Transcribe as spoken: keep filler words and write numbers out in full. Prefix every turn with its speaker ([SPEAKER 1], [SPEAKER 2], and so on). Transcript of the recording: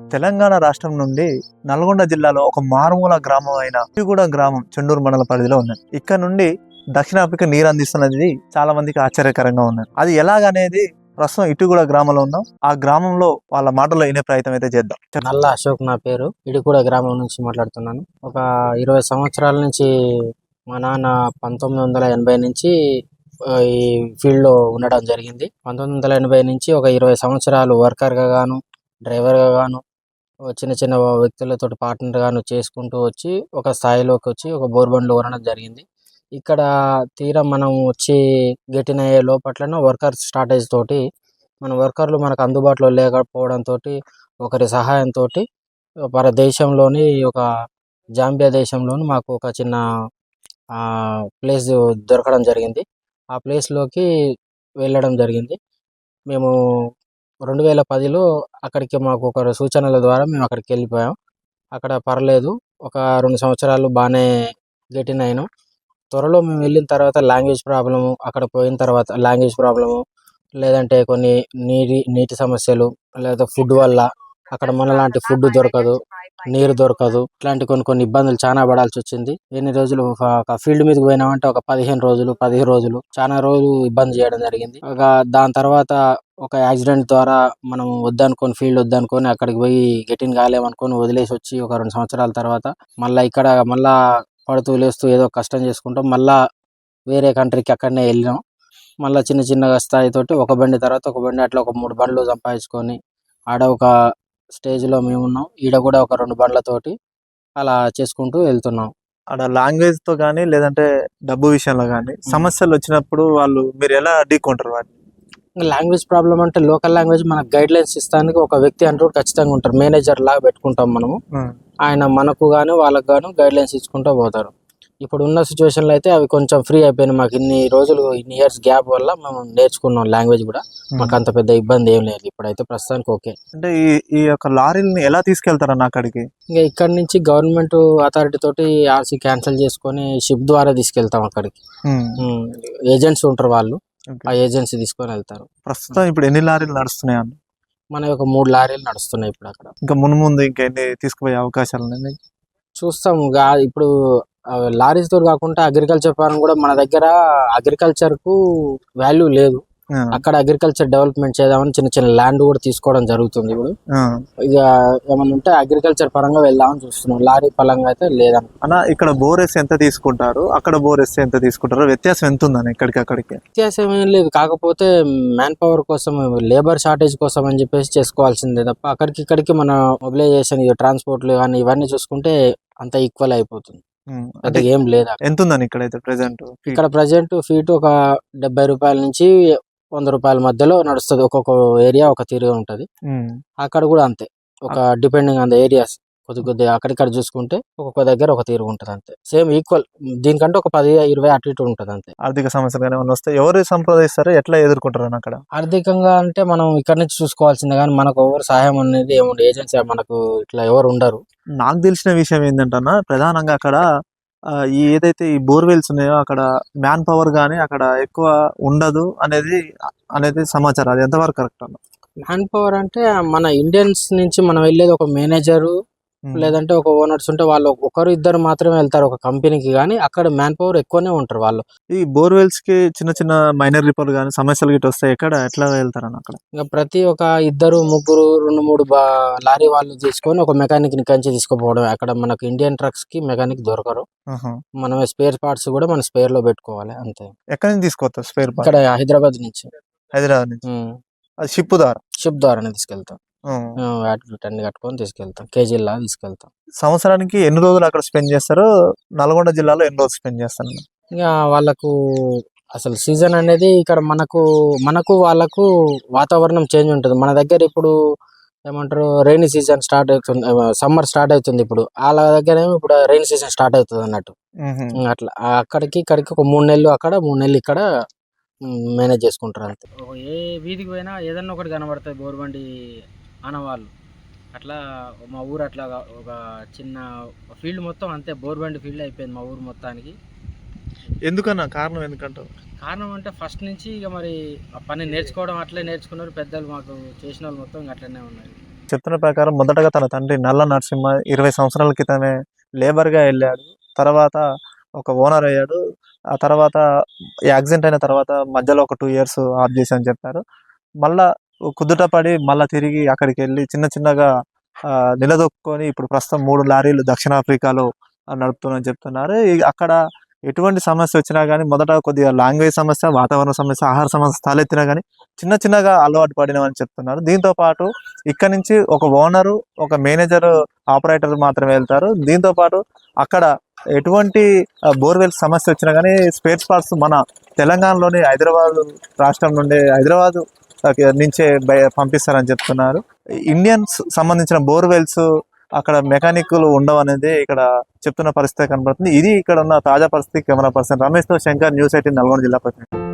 [SPEAKER 1] తెలంగాణ రాష్ట్రం నుండి నల్గొండ జిల్లాలో ఒక మారుమూల గ్రామం అయిన ఇటుగూడ గ్రామం చెండూరు మండల పరిధిలో ఉన్నది. ఇక్కడ నుండి దక్షిణాఫ్రికా నీరు అందిస్తున్నది చాలా మందికి ఆశ్చర్యకరంగా ఉన్నది. అది ఎలాగనేది ప్రస్తుతం ఇటుగూడ గ్రామంలో ఉన్నాం. ఆ గ్రామంలో వాళ్ళ మాటల్లో వినే ప్రయత్నం అయితే చేద్దాం.
[SPEAKER 2] నల్ల అశోక్ నా పేరు. ఇటుగూడ గ్రామం నుంచి మాట్లాడుతున్నాను. ఒక ఇరవై సంవత్సరాల నుంచి మా నాన్న పంతొమ్మిది వందల ఎనభై నుంచి ఈ ఫీల్డ్ లో ఉండడం జరిగింది. పంతొమ్మిది వందల ఎనభై నుంచి ఒక ఇరవై సంవత్సరాలు వర్కర్ గా గాను, డ్రైవర్ గా గాను, చిన్న చిన్న వ్యక్తులతో పార్ట్నర్ గాను చేసుకుంటూ వచ్చి ఒక స్థాయిలోకి వచ్చి ఒక బోర్బండ్లు కొనడం జరిగింది. ఇక్కడ తీరా మనం వచ్చి గెటిన్ అయ్యే లోపట్లనే వర్కర్ స్టార్టేజ్ తోటి మన వర్కర్లు మనకు అందుబాటులో లేకపోవడంతో ఒకరి సహాయంతో మన దేశంలోని ఒక జాంబియా దేశంలోని మాకు ఒక చిన్న ప్లేస్ దొరకడం జరిగింది. ఆ ప్లేస్లోకి వెళ్ళడం జరిగింది. మేము రెండు వేల పదిలో అక్కడికి మాకు ఒక సూచనల ద్వారా మేము అక్కడికి వెళ్ళిపోయాం. అక్కడ పర్లేదు, ఒక రెండు సంవత్సరాలు బాగానే గెటిన్ అయినాం. త్వరలో మేము వెళ్ళిన తర్వాత లాంగ్వేజ్ ప్రాబ్లము, అక్కడ పోయిన తర్వాత లాంగ్వేజ్ ప్రాబ్లము, లేదంటే కొన్ని నీటి నీటి సమస్యలు, లేదా ఫుడ్ వల్ల అక్కడ మనలాంటి ఫుడ్ దొరకదు, నీరు దొరకదు, ఇట్లాంటి కొన్ని కొన్ని ఇబ్బందులు చాలా పడాల్సి వచ్చింది. ఎన్ని రోజులు ఒక ఫీల్డ్ మీదకి పోయినామంటే ఒక పదిహేను రోజులు పదిహేను రోజులు చాలా రోజులు ఇబ్బంది చేయడం జరిగింది. ఒక దాని తర్వాత ఒక యాక్సిడెంట్ ద్వారా మనం వద్దనుకొని ఫీల్డ్ వద్దనుకొని అక్కడికి పోయి గెటిన్ కాలేమనుకొని వదిలేసి వచ్చి ఒక రెండు సంవత్సరాల తర్వాత మళ్ళీ ఇక్కడ మళ్ళా పడుతూ లేస్తూ ఏదో కష్టం చేసుకుంటాం. మళ్ళా వేరే కంట్రీకి అక్కడనే వెళ్ళినాం. మళ్ళీ చిన్న చిన్నగా స్థాయితోటి ఒక బండి తర్వాత ఒక బండి అట్లా ఒక మూడు బండ్లు సంపాదించుకొని ఆడ ఒక స్టేజ్లో మేము ఉన్నాం. ఈడ కూడా ఒక రెండు బండ్లతోటి అలా చేసుకుంటూ వెళ్తున్నాం.
[SPEAKER 1] ఆడ లాంగ్వేజ్ తో కానీ లేదంటే డబ్బు విషయంలో కానీ సమస్యలు వచ్చినప్పుడు వాళ్ళు మీరు ఎలా అడ్డుకుంటారు వాటిని?
[SPEAKER 2] లాంగ్వేజ్ ప్రాబ్లం అంటే లోకల్ లాంగ్వేజ్ మనకు గైడ్ లైన్స్ ఇస్తానికి ఒక వ్యక్తి అంటూ ఖచ్చితంగా ఉంటారు. మేనేజర్ లాగా పెట్టుకుంటాం మనము. ఆయన మనకు గాను వాళ్ళకు గాను గైడ్ లైన్స్ ఇచ్చుకుంటూ పోతారు. ఇప్పుడు ఉన్న సిచ్యువేషన్లో అయితే అవి కొంచెం ఫ్రీ అయిపోయినాయి. మాకు ఇన్ని రోజులు ఇన్ని ఇయర్స్ గ్యాప్ వల్ల మేము నేర్చుకున్నాం లాంగ్వేజ్ కూడా. మాకు అంత పెద్ద ఇబ్బంది ఏం లేదు ఇప్పుడైతే ప్రస్తుతానికి. ఓకే.
[SPEAKER 1] అంటే ఈ ఈ యొక్క లారీని ఎలా తీసుకెళ్తారన్న అక్కడికి?
[SPEAKER 2] ఇంకా ఇక్కడ నుంచి గవర్నమెంట్ అథారిటీ తోటి ఆర్సీ క్యాన్సిల్ చేసుకొని షిప్ ద్వారా తీసుకెళ్తాం అక్కడికి. ఏజెంట్స్ ఉంటారు, వాళ్ళు ఆ ఏజెన్సీ తీసుకొని వెళ్తారు.
[SPEAKER 1] ప్రస్తుతం ఇప్పుడు ఎన్ని లారీలు నడుస్తున్నాయి అన్న?
[SPEAKER 2] మన ఒక మూడు లారీలు నడుస్తున్నాయి ఇప్పుడు అక్కడ.
[SPEAKER 1] ఇంకా ముందు ముందు ఇంకా ఎన్ని తీసుకుపోయే అవకాశాలు ఉన్నాయి
[SPEAKER 2] చూస్తాం. ఇప్పుడు లారీస్ తో కాకుండా అగ్రికల్చర్ పరంగా కూడా మన దగ్గర అగ్రికల్చర్ కు వాల్యూ లేదు. అక్కడ అగ్రికల్చర్ డెవలప్మెంట్ చేద్దామని చిన్న చిన్న ల్యాండ్ కూడా తీసుకోవడం జరుగుతుంది. ఇప్పుడు ఇక ఏమన్నా ఉంటే అగ్రికల్చర్ పరంగా వెళ్దామని చూస్తున్నాం. లారీ పరంగా అయితే లేదన్న.
[SPEAKER 1] అన్న ఇక్కడ బోరెస్ ఎంత తీసుకుంటారు, అక్కడ బోరెస్ ఎంత తీసుకుంటారు? వ్యత్యాసం ఎంత ఉందని ఇక్కడికి అక్కడికి?
[SPEAKER 2] వ్యత్యాసం ఏం లేదు, కాకపోతే మ్యాన్ పవర్ కోసం లేబర్ షార్టేజ్ కోసం అని చెప్పేసి చేసుకోవాల్సిందే తప్ప అక్కడికి ఇక్కడికి మన మొబిలైజేషన్ ట్రాన్స్పోర్ట్లు కానీ ఇవన్నీ చూసుకుంటే అంత ఈక్వల్ అయిపోతుంది. అంటే ఏం లేదు.
[SPEAKER 1] ఎంత ఉందని ఇక్కడైతే ప్రెసెంట్?
[SPEAKER 2] ఇక్కడ ప్రెసెంట్ ఫీట్ ఒక డెబ్బై రూపాయల నుంచి వంద రూపాయల మధ్యలో నడుస్తుంది. ఒక్కొక్క ఏరియా ఒక తీరుగా ఉంటది. అక్కడ కూడా అంతే, ఒక డిపెండింగ్ ఆన్ ద ఏరియాస్. కొద్ది కొద్దిగా అక్కడిక్కడ చూసుకుంటే ఒక్కొక్క దగ్గర ఒక తీరు ఉంటుంది అంతే. సేమ్ ఈక్వల్, దీనికంటే ఒక పది ఇరవై అటు ఇటు ఉంటుంది అంతే.
[SPEAKER 1] ఆర్థిక సమస్యలు ఏమైనా వస్తే ఎవరు సంప్రదిస్తారు, ఎట్లా ఎదుర్కొంటారు అక్కడ?
[SPEAKER 2] ఆర్థికంగా అంటే మనం ఇక్కడ నుంచి చూసుకోవాల్సిందే కానీ మనకు ఎవరు సహాయం అనేది ఏముండదు. ఏజెన్సీ మనకు ఇట్లా ఎవరు ఉండరు.
[SPEAKER 1] నాకు తెలిసిన విషయం ఏంటంటే ప్రధానంగా అక్కడ ఈ ఏదైతే ఈ బోర్వెల్స్ ఉన్నాయో అక్కడ మ్యాన్ పవర్ గానీ అక్కడ ఎక్కువ ఉండదు అనేది అనేది సమాచారం. అది ఎంతవరకు కరెక్ట్ అన్న?
[SPEAKER 2] మ్యాన్ పవర్ అంటే మన ఇండియన్స్ నుంచి మనం వెళ్ళేది ఒక మేనేజరు లేదంటే ఒక ఓనర్స్ ఉంటే వాళ్ళు ఒకరు ఇద్దరు మాత్రమే వెళ్తారు ఒక కంపెనీకి. కానీ అక్కడ మ్యాన్ పవర్ ఎక్కువనే ఉంటారు వాళ్ళు.
[SPEAKER 1] ఈ బోర్వెల్స్ కి చిన్న చిన్న మైనర్ రిపేర్ కానీ సమస్యలు గిట్ట వస్తాయి, ఎక్కడ ఎట్లా వెళ్తారని అక్కడ?
[SPEAKER 2] ఇంకా ప్రతి ఒక ఇద్దరు ముగ్గురు రెండు మూడు బా లారీ వాళ్ళు తీసుకొని ఒక మెకానిక్ ని కంచి తీసుకుపోవడం. అక్కడ మనకు ఇండియన్ ట్రక్స్ కి మెకానిక్ దొరకరు. మనం స్పేర్ పార్ట్స్ కూడా మన స్పేర్ లో పెట్టుకోవాలి అంతే.
[SPEAKER 1] ఎక్కడి నుంచి తీసుకోవచ్చు స్పేర్ పార్ట్స్?
[SPEAKER 2] ఇక్కడ హైదరాబాద్ నుంచి.
[SPEAKER 1] హైదరాబాద్ నుంచి అది షిప్ ద్వారా?
[SPEAKER 2] షిప్ ద్వారానే తీసుకెళ్తాం. అన్ని కట్టుకొని తీసుకెళ్తాం, కేజీలా తీసుకెళ్తాం.
[SPEAKER 1] సంవత్సరానికి ఎన్ని రోజులు అక్కడ స్పెండ్ చేస్తారు? నల్గొండ జిల్లాలో ఎన్ని రోజులు స్పెండ్ చేస్తారు?
[SPEAKER 2] ఇక వాళ్ళకు అసలు సీజన్ అనేది ఇక్కడ మనకు మనకు వాళ్ళకు వాతావరణం చేంజ్ ఉంటుంది. మన దగ్గర ఇప్పుడు ఏమంటారు రెయినీ సీజన్ స్టార్ట్ అవుతుంది, సమ్మర్ స్టార్ట్ అవుతుంది. ఇప్పుడు వాళ్ళ దగ్గర ఇప్పుడు రెయినీ సీజన్ స్టార్ట్ అవుతుంది అన్నట్టు. అట్లా అక్కడికి ఇక్కడికి ఒక మూడు నెలలు అక్కడ మూడు నెలలు ఇక్కడ మేనేజ్ చేసుకుంటారు అంతే. ఏ వీధికి పోయినా ఏదన్నా ఒకటి కనబడుతుంది బోర్బండి ఆనవాళ్ళు. అట్లా మా ఊరు అట్లా ఒక చిన్న ఫీల్డ్ మొత్తం అంతే బోర్బండి ఫీల్డ్ అయిపోయింది మా ఊరు మొత్తానికి.
[SPEAKER 1] ఎందుకన్నా కారణం? ఎందుకంటారు?
[SPEAKER 2] కారణం అంటే ఫస్ట్ నుంచి ఇక మరి ఆ పని నేర్చుకోవడం అట్లే నేర్చుకున్నారు పెద్దలు, మాకు చేసిన వాళ్ళు మొత్తం అట్లనే ఉన్నారు.
[SPEAKER 1] చెప్తున్న ప్రకారం మొదటగా తన తండ్రి నల్ల నరసింహ ఇరవై సంవత్సరాల క్రితమే లేబర్గా వెళ్ళాడు. తర్వాత ఒక ఓనర్ అయ్యాడు. ఆ తర్వాత యాక్సిడెంట్ అయిన తర్వాత మధ్యలో ఒక టూ ఇయర్స్ ఆఫ్ చేసి అని చెప్పారు. మళ్ళా కుదుట పడి మళ్ళా తిరిగి అక్కడికి వెళ్ళి చిన్న చిన్నగా ఆ, నిలదొక్కుని ఇప్పుడు ప్రస్తుతం మూడు లారీలు దక్షిణాఫ్రికాలో నడుపుతున్నారని చెప్తున్నారు. ఈ- అక్కడ ఎటువంటి సమస్య వచ్చినా కానీ మొదట కొద్దిగా లాంగ్వేజ్ సమస్య, వాతావరణ సమస్య, ఆహార సమస్య తలెత్తినా కానీ చిన్న చిన్నగా అలవాటు పడినవని చెప్తున్నారు. దీంతో పాటు ఇక్కడ నుంచి ఒక ఓనరు, ఒక మేనేజర్, ఆపరేటర్ మాత్రమే వెళ్తారు. దీంతో పాటు అక్కడ ఎటువంటి బోర్వెల్ సమస్య వచ్చినా కానీ స్పేర్ పార్ట్స్ మన తెలంగాణలోని హైదరాబాద్ రాష్ట్రం నుండి హైదరాబాద్ నుంచే బయ- పంపిస్తారని చెప్తున్నారు. ఇండియన్స్ సంబంధించిన బోర్వెల్స్ అక్కడ మెకానిక్లు ఉండవు అనేది ఇక్కడ చెప్తున్న పరిస్థితి కనబడుతుంది. ఇది ఇక్కడ ఉన్న తాజా పరిస్థితి. కెమెరా పర్సన్ రమేష్ తో శంకర్, న్యూస్ ఎయిటీన్ నల్గొండ జిల్లా ప్రతినిధి.